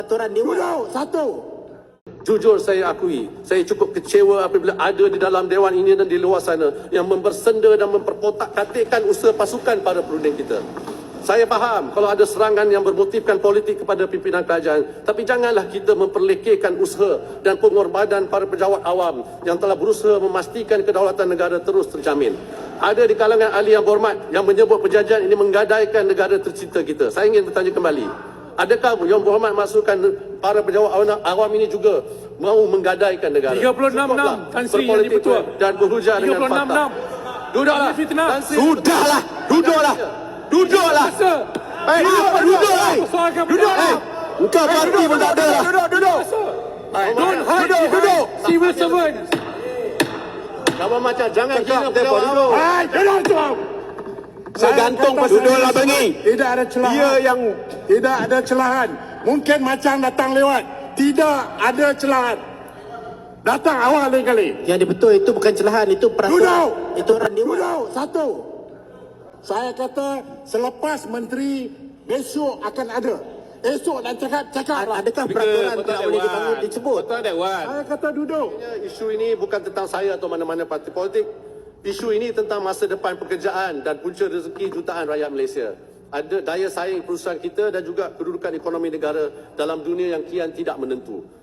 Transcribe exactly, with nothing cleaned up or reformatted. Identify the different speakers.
Speaker 1: Peraturan Dewan.
Speaker 2: Duduk, satu.
Speaker 3: Jujur saya akui, saya cukup kecewa apabila ada di dalam Dewan ini dan di luar sana yang membersenda dan memperkotak-katikkan usaha pasukan para perunding kita. Saya faham kalau ada serangan yang bermotifkan politik kepada pimpinan kerajaan, tapi janganlah kita memperlekehkan usaha dan pengorbanan para pejabat awam yang telah berusaha memastikan kedaulatan negara terus terjamin. Ada di kalangan ahli yang berhormat yang menyebut perjanjian ini menggadaikan negara tercinta kita. Saya ingin bertanya kembali, adakah Yang Berhormat maksudkan para pejabat awam ini juga mahu menggadaikan negara?
Speaker 4: tiga puluh enam enam Tan Sri yang dipertua
Speaker 3: dan berhujah dengan fakta. Duduklah. Tan Sri.
Speaker 1: Sudahlah, duduklah. Duduklah. Eh, apa duduklah? Duduklah. Engkau parti pun tak ada lah.
Speaker 2: Duduk, duduk.
Speaker 4: Don't hide
Speaker 1: Duduk, duduk.
Speaker 4: civil servant.
Speaker 3: Kawan macam jangan kira pejabat awam.
Speaker 2: Hai, duduk tu.
Speaker 1: Saya gantung
Speaker 2: kata
Speaker 1: pasal
Speaker 2: saya
Speaker 1: duduklah bengi.
Speaker 2: Tidak ada celahan.
Speaker 1: Dia yang
Speaker 2: Tidak ada celahan. Mungkin macam datang lewat. Tidak ada celahan. Datang awal lain kali.
Speaker 1: Yang betul itu bukan celahan, itu peraturan.
Speaker 2: Duduk.
Speaker 1: Itu peraturan Dewan.
Speaker 2: Duduk, satu. Saya kata selepas menteri besok akan ada. Esok nak cakap, cakap lah.
Speaker 1: Adakah peraturan tidak boleh dibangun disebut?
Speaker 2: Saya kata duduk.
Speaker 3: Isu ini bukan tentang saya atau mana-mana parti politik. Isu ini tentang masa depan pekerjaan dan punca rezeki jutaan rakyat Malaysia. Ada daya saing perusahaan kita dan juga kedudukan ekonomi negara dalam dunia yang kian tidak menentu.